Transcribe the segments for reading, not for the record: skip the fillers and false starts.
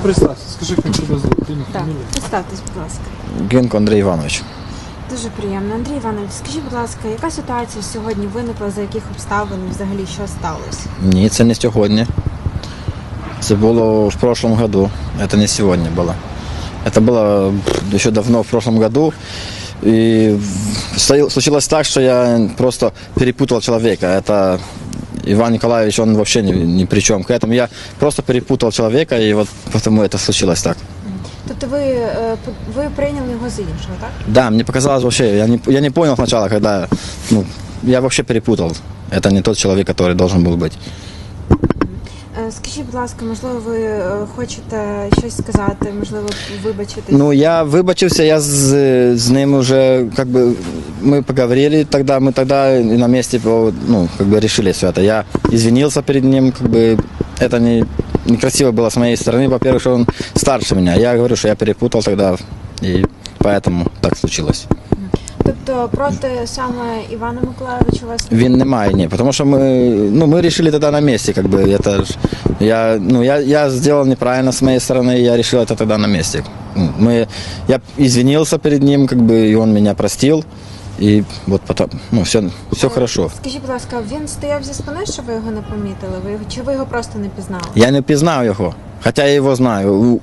Представься, скажи, як тебе звуть, ім'я, Так, фамілія. представтесь, будь ласка. Генко Андрій Іванович. Дуже приємно. Андрій Іванович, скажіть, будь ласка, яка ситуація сьогодні виникла, за яких обставин взагалі що сталося? Ні, це не сьогодні. Це було в прошлом году. Это не сегодня было. Это было еще давно, в прошлом году. И случилось так, что я просто перепутал человека. Это Иван Николаевич, он вообще ни при чем к этому. Я просто перепутал человека, и вот потому это случилось так. Тобто ви прийняли його за іншого, так? Да, мне показалось вообще, я не понял сначала, когда, я вообще перепутал. Это не тот человек, который должен был быть. Скажіть, будь ласка, можливо, ви хочете щось сказати, можливо, вибачитись? Ну, я выбачился, я с ним уже, мы поговорили тогда, мы тогда и на месте, решили все это. Я извинился перед ним, это некрасиво было с моей стороны, во-первых, что он старше меня. Я говорю, что я перепутал тогда, и поэтому так случилось. Тобто проти саме Івана Миколайовича у вас Він немає, ні, тому що ми решили тогда на месте, это ж, я сделал неправильно с моей стороны, я решил это тогда на месте. Я извинился перед ним, и он меня простил, и вот потом, все хорошо. Скажіть, будь ласка, він стояв зі спини, що ви його не помітили? Чи ви його просто не пізнали? Я не пізнав його, хотя я его знаю,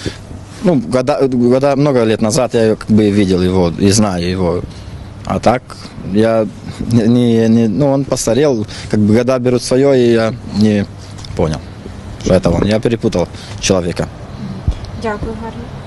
много лет назад я видел его и знаю его. А так, он постарел, года берут свое, и я не понял, что это он. Я перепутал человека. Дякую, гарно.